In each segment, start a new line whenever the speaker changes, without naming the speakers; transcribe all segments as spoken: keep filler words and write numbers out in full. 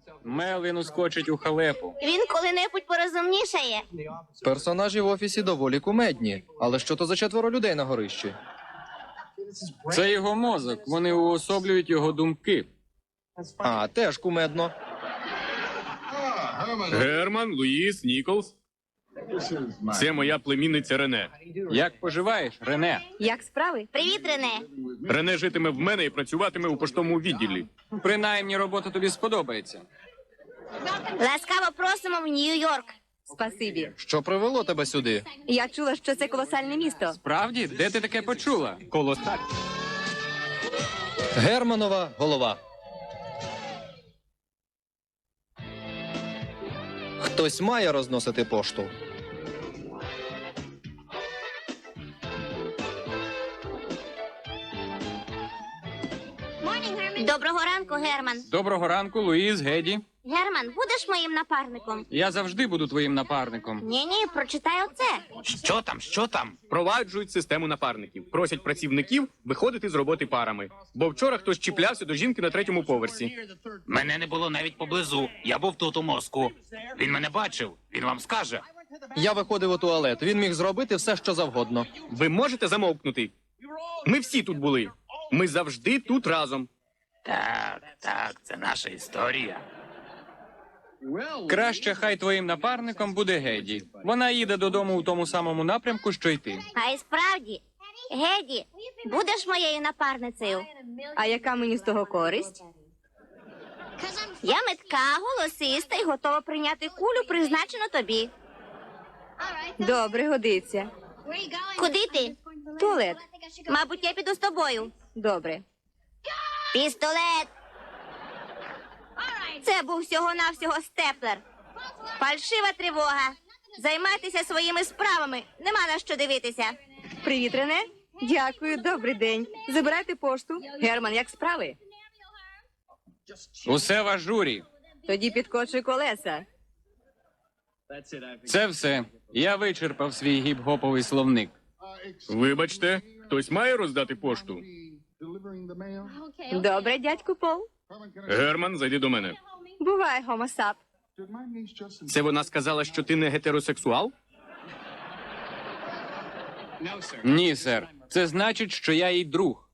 Мелвін ускочить у халепу.
Він коли-небудь порозумнішає.
Персонажі в офісі доволі кумедні. Але що то за четверо людей на горищі?
Це його мозок. Вони уособлюють його думки.
А, теж кумедно.
Герман, Луїс, Ніколс. Це моя племінниця Рене.
Як поживаєш, Рене?
Як справи?
Привіт, Рене.
Рене житиме в мене і працюватиме у поштовому відділі.
Принаймні, робота тобі сподобається.
Ласкаво просимо в Нью-Йорк.
Спасибі.
Що привело тебе сюди?
Я чула, що це колосальне місто.
Правді? Де ти таке почула?
Колосаль.
Германова голова. Хтось має розносити пошту.
Доброго ранку, Герман.
Доброго ранку, Луїс, Геді.
Герман, будеш моїм напарником?
Я завжди буду твоїм напарником.
Ні-ні, прочитай оце.
Що там, що там? Проваджують систему напарників. Просять працівників виходити з роботи парами. Бо вчора хтось чіплявся до жінки на третьому поверсі.
Мене не було навіть поблизу. Я був тут у мозку. Він мене бачив. Він вам скаже.
Я виходив у туалет. Він міг зробити все, що завгодно.
Ви можете замовкнути? Ми всі тут були. Ми завжди тут разом.
Так, так, це наша історія.
Краще хай твоїм напарником буде Геді. Вона їде додому у тому самому напрямку, що й ти.
А й справді, Геді, будеш моєю напарницею?
А яка мені з того користь?
Я метка, голосиста і готова прийняти кулю, призначену тобі.
Добре, годиться.
Куди ти?
Туалет.
Мабуть, я піду з тобою.
Добре.
Пістолет. Це був всього-навсього степлер. Фальшива тривога. Займайтеся своїми справами. Нема на що дивитися.
Привіт, Рене. Дякую, добрий день. Забирайте пошту. Герман, як справи?
Усе в ажурі.
Тоді підкочуй колеса.
Це все. Я вичерпав свій гіп-гоповий словник.
Вибачте, хтось має роздати пошту?
Добре, дядьку Пол.
Герман, зайди до мене.
Бувай, гомосап.
Це вона сказала, що ти не гетеросексуал?
Ні, сер. Це значить, що я їй друг.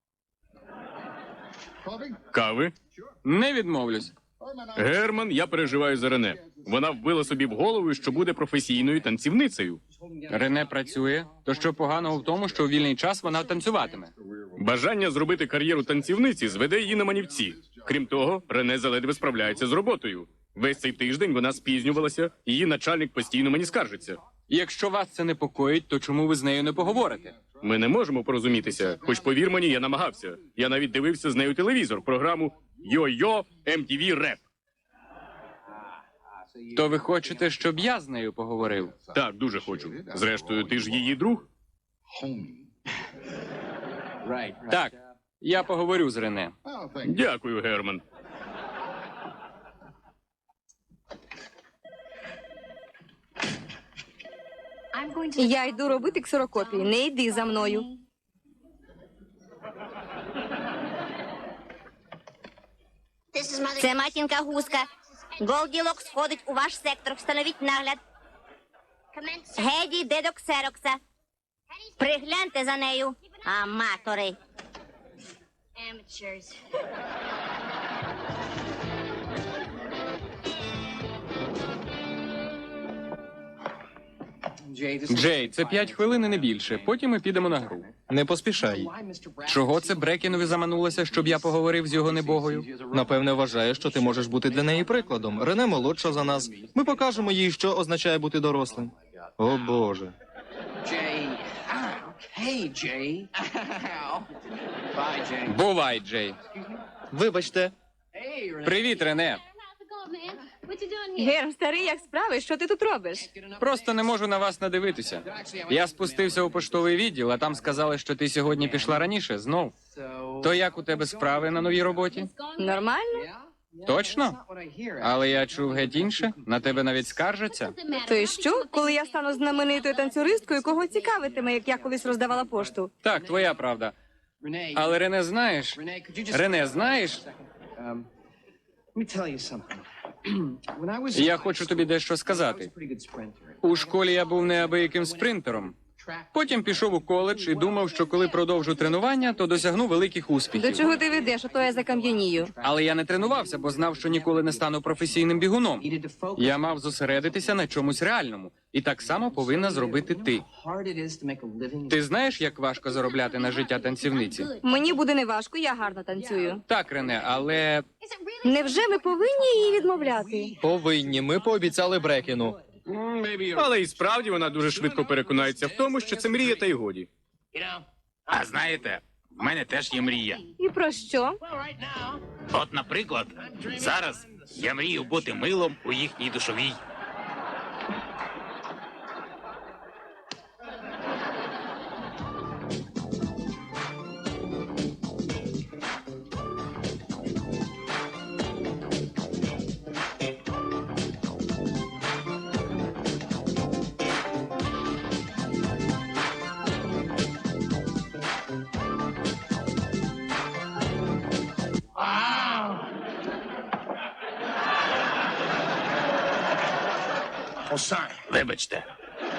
Кави?
Не відмовлюсь.
Герман, я переживаю за Рене. Вона вбила собі в голову, що буде професійною танцівницею.
Рене працює. То що поганого в тому, що у вільний час вона танцюватиме?
Бажання зробити кар'єру танцівниці зведе її на манівці. Крім того, Рене заледве справляється з роботою. Весь цей тиждень вона спізнювалася, її начальник постійно мені скаржиться.
Якщо вас це непокоїть, то чому ви з нею не поговорите?
Ми не можемо порозумітися, хоч повір мені, я намагався. Я навіть дивився з нею телевізор, програму «Йо-Йо ем ті ві Реп».
То ви хочете, щоб я з нею поговорив?
Так, дуже хочу. Зрештою, ти ж її друг.
Так, я поговорю з Рене.
Дякую, Герман.
Я йду робити ксерокопії. Не йди за мною.
Це матінка гуска. Голділок сходить у ваш сектор. Встановіть нагляд. Геді йде до ксерокса. Пригляньте за нею, аматори.
Джей, це п'ять хвилин і не більше. Потім ми підемо на гру.
Не поспішай.
Чого це Брекінові заманулося, щоб я поговорив з його небогою?
Напевне, вважає, що ти можеш бути для неї прикладом. Рене молодша за нас. Ми покажемо їй, що означає бути дорослим. О, Боже.
Бувай, Джей.
Вибачте.
Привіт, Рене.
Герм, старий, як справи? Що ти тут робиш?
Просто не можу на вас надивитися. Я спустився у поштовий відділ, а там сказали, що ти сьогодні пішла раніше, знов. То як у тебе справи на новій роботі?
Нормально?
Точно? Але я чув геть інше. На тебе навіть скаржаться.
То і що, коли я стану знаменитою танцюристкою, кого цікавитиме, як я колись роздавала пошту?
Так, твоя правда. Але Рене, знаєш? Рене, знаєш?
Let me tell you something.
Я хочу тобі дещо сказати. У школі я був неабияким спринтером. Потім пішов у коледж і думав, що коли продовжу тренування, то досягну великих
До
успіхів.
чого ти ведеш, а то я закам'янію.
Але я не тренувався, бо знав, що ніколи не стану професійним бігуном. Я мав зосередитися на чомусь реальному. І так само повинна зробити ти. Ти знаєш, як важко заробляти на життя танцівниці?
Мені буде неважко, я гарно танцюю.
Так, Рене, але
Невже ми повинні її відмовляти?
Повинні, ми пообіцяли Брекіну.
Але і справді вона дуже швидко переконається в тому, що це мрія та й годі.
А знаєте, в мене теж є мрія.
І про що?
От, наприклад, зараз я мрію бути милом у їхній душовій. Вибачте.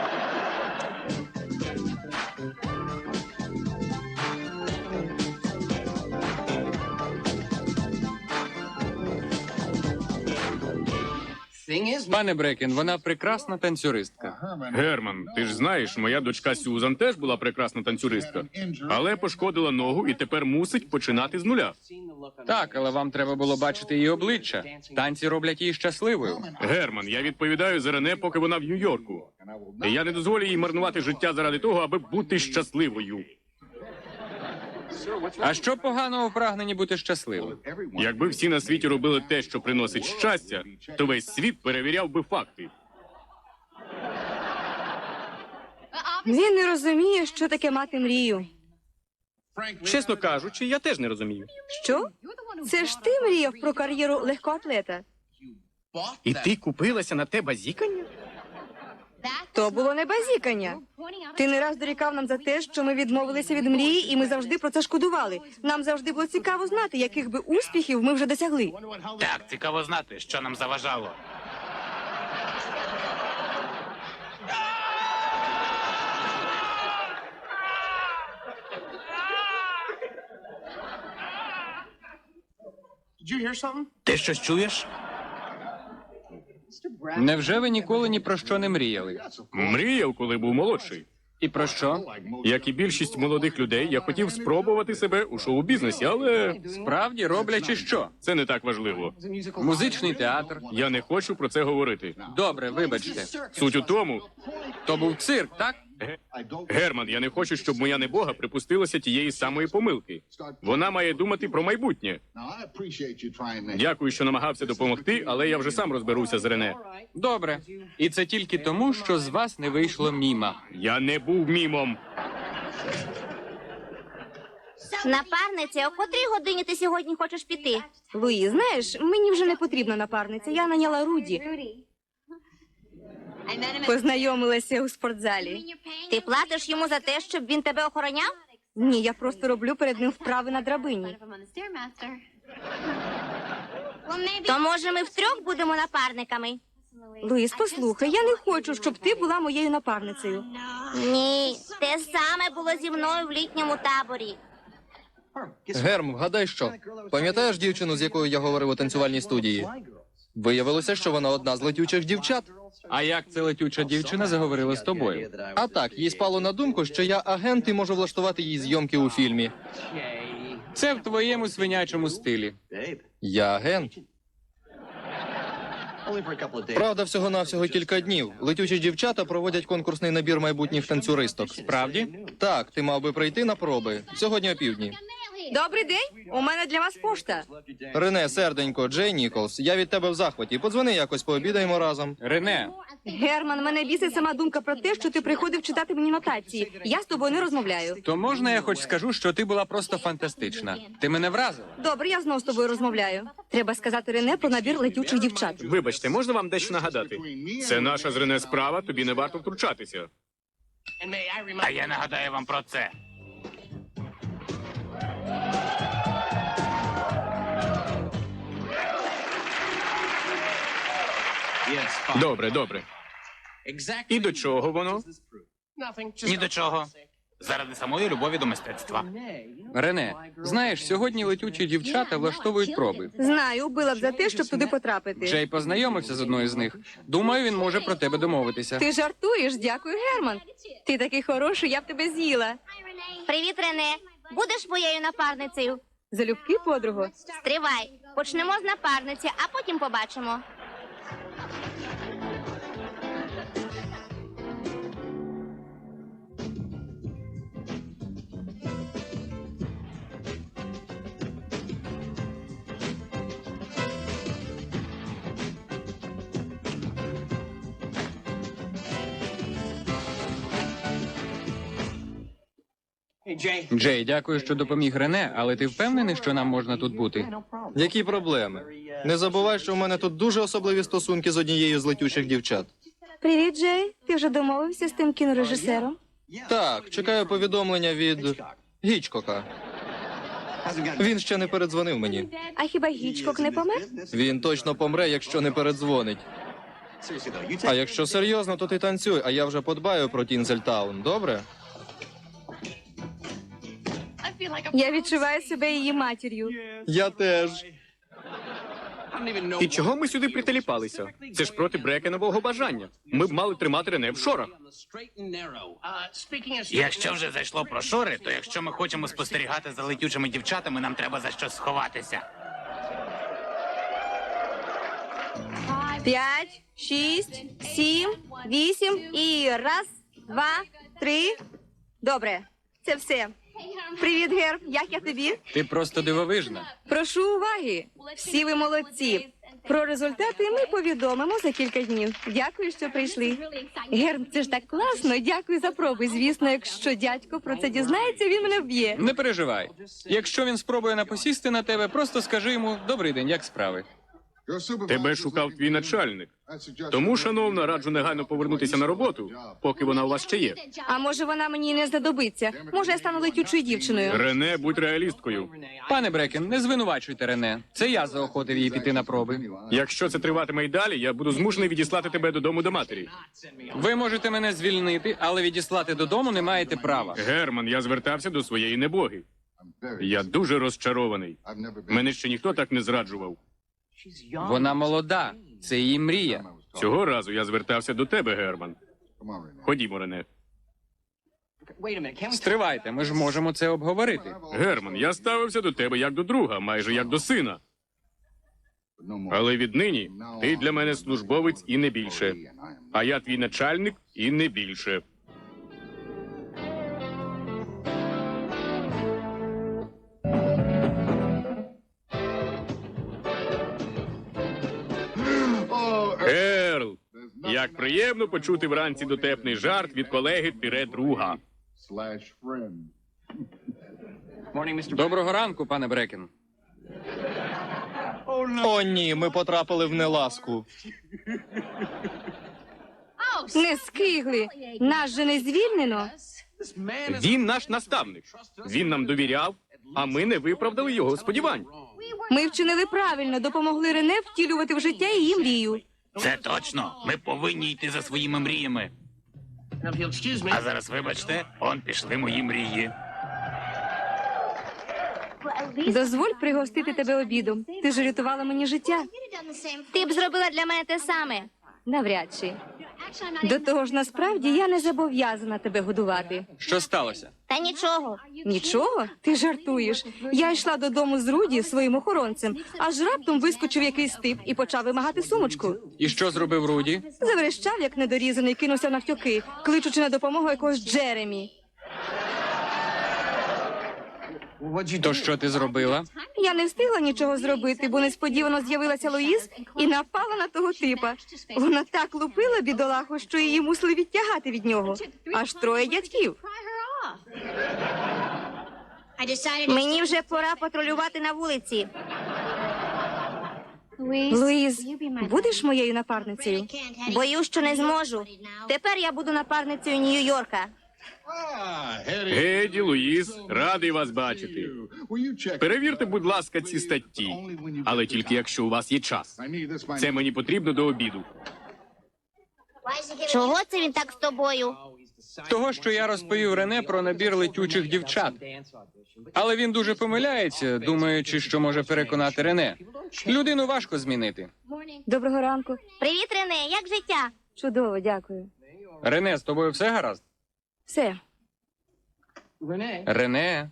пане Брекін, вона прекрасна танцюристка.
Герман, ти ж знаєш, моя дочка Сюзан теж була прекрасна танцюристка, але пошкодила ногу і тепер мусить починати з нуля.
Так, але вам треба було бачити її обличчя. Танці роблять її щасливою.
Герман, я відповідаю за Рене, поки вона в Нью-Йорку. І я не дозволю їй марнувати життя заради того, аби бути щасливою.
А що поганого в прагненні бути щасливим?
Якби всі на світі робили те, що приносить щастя, то весь світ перевіряв би факти.
Він не розуміє, що таке мати мрію.
Чесно кажучи, я теж не розумію.
Що? Це ж ти мріяв про кар'єру легкоатлета.
І ти купилася на те базікання?
То було не базікання. Ти не раз дорікав нам за те, що ми відмовилися від мрії, і ми завжди про це шкодували. Нам завжди було цікаво знати, яких би успіхів ми вже досягли.
Так, цікаво знати, що нам заважало. Ти щось чуєш?
Невже ви ніколи ні про що не мріяли?
Мріяв, коли був молодший.
І про що?
Як і більшість молодих людей, я хотів спробувати себе у шоу-бізнесі, але
Справді роблячи що?
це не так важливо.
Музичний театр.
Я не хочу про це говорити.
Добре, вибачте.
Суть у тому,
То був цирк, так?
Герман, я не хочу, щоб моя небога припустилася тієї самої помилки. Вона має думати про майбутнє. Дякую, що намагався допомогти, але я вже сам розберуся з Рене.
Добре. І це тільки тому, що з вас не вийшло міма.
Я не був мімом.
Напарниця, о котрій годині ти сьогодні хочеш піти?
Луї, знаєш, мені вже не потрібна напарниця. Я наняла Руді. Познайомилася у спортзалі.
Ти платиш йому за те, щоб він тебе охороняв?
Ні, я просто роблю перед ним вправи на драбині.
То може ми втрьох будемо напарниками?
Луїс, послухай, я не хочу, щоб ти була моєю напарницею.
Ні, те саме було зі мною в літньому таборі.
Герм, вгадай що? Пам'ятаєш дівчину, з якою я говорив у танцювальній студії? Виявилося, що вона одна з летючих дівчат.
А як ця летюча дівчина заговорила з тобою?
А так, їй спало на думку, що я агент і можу влаштувати їй зйомки у фільмі.
Це в твоєму свинячому стилі.
Я агент. Правда, всього-навсього кілька днів. Летючі дівчата проводять конкурсний набір майбутніх танцюристок.
Справді?
Так, ти мав би прийти на проби. Сьогодні опівдні.
Добрий день, у мене для вас пошта.
Рене, серденько, Джей Ніколс, я від тебе в захваті. Подзвони якось, пообідаємо разом.
Рене,
Герман, мене бісить сама думка про те, що ти приходив читати мені нотації. Я з тобою не розмовляю.
то можна я хоч скажу, що ти була просто фантастична. Ти мене вразила.
Добре, я знов з тобою розмовляю. Треба сказати Рене про набір летючих дівчат.
Вибачте, можна вам дещо нагадати? Це наша з Рене справа, тобі не варто втручатися.
А я нагадаю вам про це.
Добре, добре. І до чого воно?
Ні до чого. Заради самої любові до мистецтва.
Рене, знаєш, сьогодні летючі дівчата влаштовують проби.
Знаю, била б за те, щоб туди потрапити.
Джей познайомився з одною з них. Думаю, він може про тебе домовитися.
Ти жартуєш, дякую, Герман. Ти такий хороший, я б тебе з'їла.
Привіт, Рене. Будеш моєю напарницею?
Залюбки, подруго.
Стривай. Почнемо з напарниці, а потім побачимо.
Джей, дякую, що допоміг Рене, але ти впевнений, що нам можна тут бути?
Які проблеми? Не забувай, що в мене тут дуже особливі стосунки з однією з летючих дівчат.
Привіт, Джей. Ти вже домовився з тим кінорежисером?
Так, чекаю повідомлення від Гічкока. Він ще не передзвонив мені.
А хіба Гічкок не помер?
Він точно помре, якщо не передзвонить. А якщо серйозно, то ти танцюй, а я вже подбаю про Тінзельтаун, добре?
Я відчуваю себе її матір'ю.
Я теж.
І чого ми сюди прителіпалися? Це ж проти Брекенового бажання. Ми б мали тримати Рене в шорах.
Якщо вже зайшло про шори, то якщо ми хочемо спостерігати за летючими дівчатами, нам треба за щось сховатися.
П'ять, шість, сім, вісім і раз, два, три. Добре, це все. Привіт, Герб. Як я тобі?
Ти просто дивовижна.
Прошу уваги. Всі ви молодці. Про результати ми повідомимо за кілька днів. Дякую, що прийшли. Герб, це ж так класно. Дякую за проби. Звісно, якщо дядько про це дізнається, він мене вб'є.
Не переживай. Якщо він спробує напосісти на тебе, просто скажи йому «Добрий день, як справи?»
Тебе шукав твій начальник. Тому, шановна, раджу негайно повернутися на роботу, поки вона у вас ще є.
А може вона мені і не знадобиться? Може я стану летючою дівчиною?
Рене, будь реалісткою.
Пане Брекен, не звинувачуйте Рене. Це я заохотив її піти на проби.
Якщо це триватиме й далі, я буду змушений відіслати тебе додому до матері.
Ви можете мене звільнити, але відіслати додому не маєте права.
Герман, я звертався до своєї небоги. Я дуже розчарований. Мене ще ніхто так не зраджував.
Вона молода. Це її мрія.
Цього разу я звертався до тебе, Герман. Ходімо, Рене.
Стривайте, ми ж можемо це обговорити.
Герман, я ставився до тебе як до друга, майже як до сина. Але віднині ти для мене службовець і не більше. А я твій начальник і не більше. Ерл, як приємно почути вранці дотепний жарт від колеги тире друга.
Доброго ранку, пане Брекен.
О, ні, ми потрапили в неласку.
Не скигли. Нас же не звільнено.
Він наш наставник. Він нам довіряв, а ми не виправдали його сподівань.
Ми вчинили правильно, допомогли Рене втілювати в життя її мрію.
Це точно. Ми повинні йти за своїми мріями. А зараз, вибачте, он пішли мої мрії.
Дозволь пригостити тебе обідом. Ти ж рятувала мені життя.
Ти б зробила для мене те саме.
Навряд чи. До того ж, насправді, я не зобов'язана тебе годувати.
Що сталося?
Та нічого.
Нічого? Ти жартуєш. Я йшла додому з Руді своїм охоронцем, аж раптом вискочив якийсь тип і почав вимагати сумочку.
І що зробив Руді?
Заверещав, як недорізаний, кинувся навтьоки, кличучи на допомогу якогось Джеремі.
То що ти зробила?
Я не встигла нічого зробити, бо несподівано з'явилася Луїз і напала на того типа. Вона так лупила бідолаху, що її мусили відтягати від нього. Аж троє дядьків.
Мені вже пора патрулювати на вулиці.
Луїз, будеш моєю напарницею?
Боюсь, що не зможу. Тепер я буду напарницею Нью-Йорка.
Геді, Луїс, радий вас бачити. Перевірте, будь ласка, ці статті. Але тільки якщо у вас є час. Це мені потрібно до обіду.
Чого це він так з тобою?
Того, що я розповів Рене про набір летючих дівчат. Але він дуже помиляється, думаючи, що може переконати Рене. Людину важко змінити.
Доброго ранку.
Привіт, Рене, як життя?
Чудово, дякую.
Рене, з тобою все гаразд?
Все.
Рене,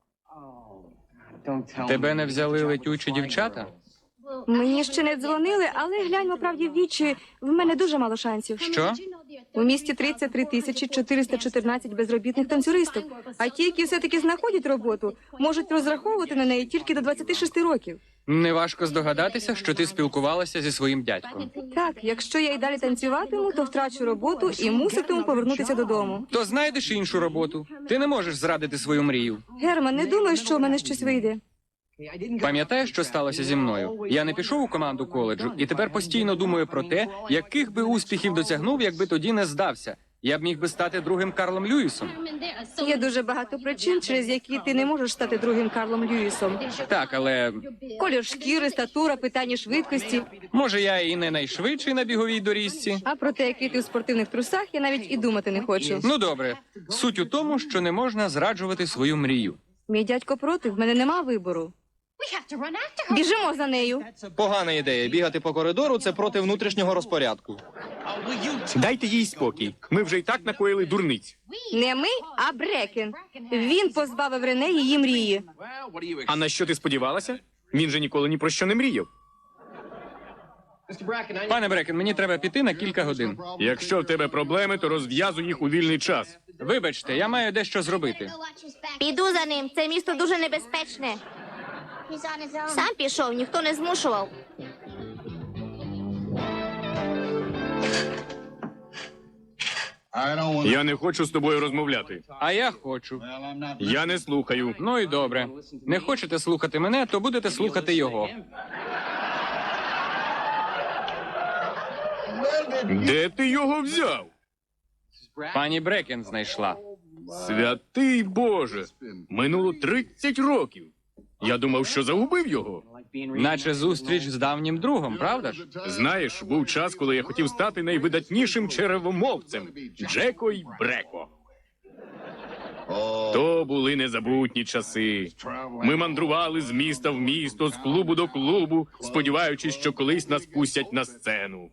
тебе не взяли летючі дівчата?
Мені ще не дзвонили, але гляньмо правді в вічі, в мене дуже мало шансів.
Що?
У місті тридцять три тисячі чотириста чотирнадцять безробітних танцюристок, а ті, які все-таки знаходять роботу, можуть розраховувати на неї тільки до двадцяти шести років.
Неважко здогадатися, що ти спілкувалася зі своїм дядьком.
Так, якщо я й далі танцюватиму, то втрачу роботу і муситиму повернутися додому.
То знайдеш іншу роботу. Ти не можеш зрадити свою мрію.
Герман, не думаю, що в мене щось вийде.
Пам'ятаєш, що сталося зі мною? Я не пішов у команду коледжу і тепер постійно думаю про те, яких би успіхів досягнув, якби тоді не здався. Я б міг би стати другим Карлом Льюісом.
Є дуже багато причин, через які ти не можеш стати другим Карлом Льюісом.
Так, але
Колір шкіри, статура, питання швидкості.
може я і не найшвидший на біговій доріжці?
А про те, який ти у спортивних трусах, я навіть і думати не хочу.
Ну добре, суть у тому, що не можна зраджувати свою мрію.
Мій дядько проти, в мене нема вибору. Біжимо за нею.
Погана ідея. Бігати по коридору – це проти внутрішнього розпорядку.
Дайте їй спокій. Ми вже й так накоїли дурниць.
Не ми, а Брекен. Він позбавив Рене її мрії.
А на що ти сподівалася? Він же ніколи ні про що не мріяв.
Пане Брекен, мені треба піти на кілька годин.
Якщо в тебе проблеми, то розв'язуй їх у вільний час.
Вибачте, я маю дещо зробити.
Піду за ним, це місто дуже небезпечне. Сам пішов, ніхто не змушував.
Я не хочу з тобою розмовляти.
А я хочу.
Я не слухаю.
Ну і добре. Не хочете слухати мене, то будете слухати його.
Де ти його взяв?
Пані Брекен знайшла.
Святий Боже! Минуло тридцять років. Я думав, що загубив його.
Наче зустріч з давнім другом, правда ж?
Знаєш, був час, коли я хотів стати найвидатнішим черевомовцем Джеко й Бреко. То були незабутні часи. Ми мандрували з міста в місто, з клубу до клубу, сподіваючись, що колись нас пустять на сцену.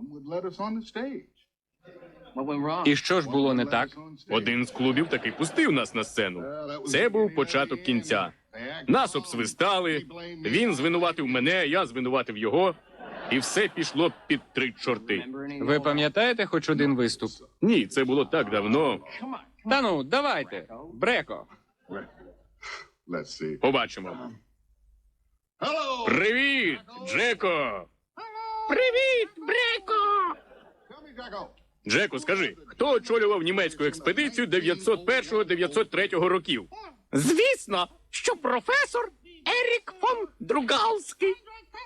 І що ж було не так?
Один з клубів таки пустив нас на сцену. Це був початок кінця. Нас обсвистали, він звинуватив мене, я звинуватив його, і все пішло під три чорти.
Ви пам'ятаєте хоч один виступ?
Ні, це було так давно.
Та ну, давайте. Бреко.
Побачимо. Привіт, Джеко! Привіт, Бреко! Джеко, скажи, хто очолював німецьку експедицію дев'ятсот першого - дев'ятсот третього років? Звісно, що професор Ерік фон Другалський.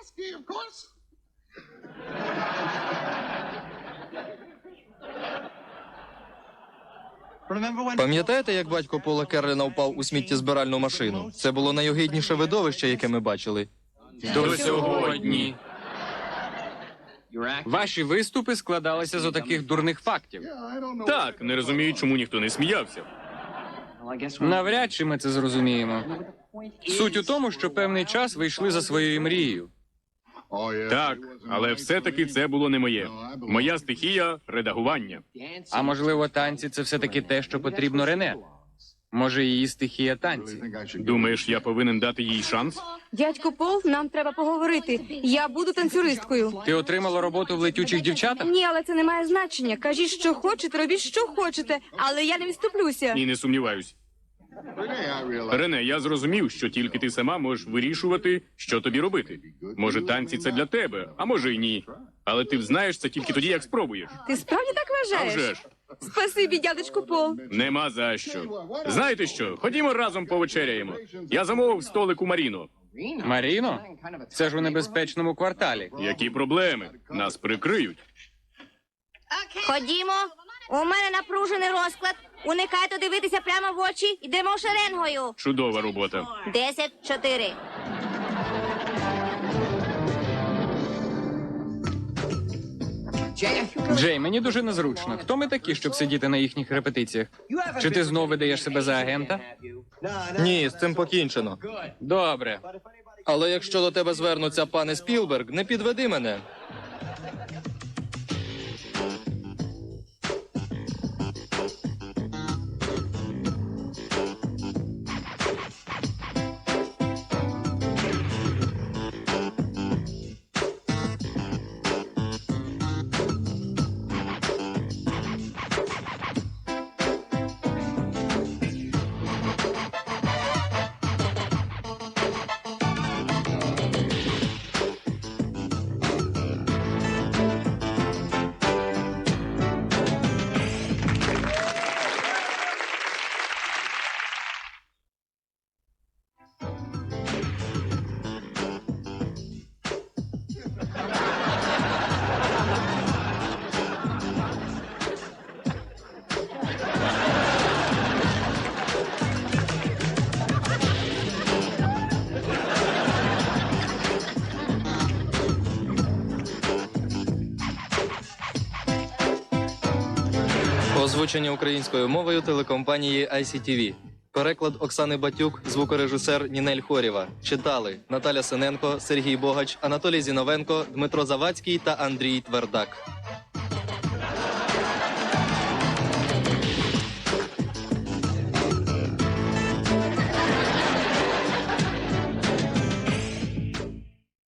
Пам'ятаєте, як батько Пола Керліна впав у сміттєзбиральну машину? Це було найогидніше видовище, яке ми бачили.
До сьогодні. Ваші виступи складалися з отаких дурних фактів.
Так, не розумію, чому ніхто не сміявся.
Навряд чи ми це зрозуміємо. Суть у тому, що певний час ви йшли за своєю мрією.
Так, але все-таки це було не моє. Моя стихія – редагування.
А можливо, танці це все-таки те, що потрібно Рене? Може, її стихія танці?
Думаєш, я повинен дати їй шанс?
Дядько Пол, нам треба поговорити. Я буду танцюристкою.
Ти отримала роботу в летючих дівчатах?
Ні, але це не має значення. Кажіть, що хочете, робіть, що хочете, але я не відступлюся.
І не сумніваюсь. Рене, я зрозумів, що тільки ти сама можеш вирішувати, що тобі робити. Може, танці це для тебе, а може й ні. Але ти знаєш це тільки тоді, як спробуєш.
Ти справді так
А
вважаєш?
вже ж,
Спасибі, дядечку Пол.
нема за що. Знаєте що, ходімо разом повечеряємо. Я замовив столик у Маріно.
Маріно? Це ж у небезпечному кварталі.
Які проблеми? Нас прикриють.
Ходімо, у мене напружений розклад. Уникайте дивитися прямо в очі. Йдемо шеренгою.
Чудова робота.
Десять, чотири.
Джей, мені дуже незручно. Хто ми такі, щоб сидіти на їхніх репетиціях? Чи ти знов видаєш себе за агента?
Ні, з цим покінчено.
Добре.
Але якщо до тебе звернуться пане Спілберг, не підведи мене. Озвучення українською мовою телекомпанії ай сі ті ві. Переклад Оксани Батюк, звукорежисер Нінель Хорєва. Читали Наталя Синенко, Сергій Богач, Анатолій Зіновенко, Дмитро Завадський та Андрій Твердак.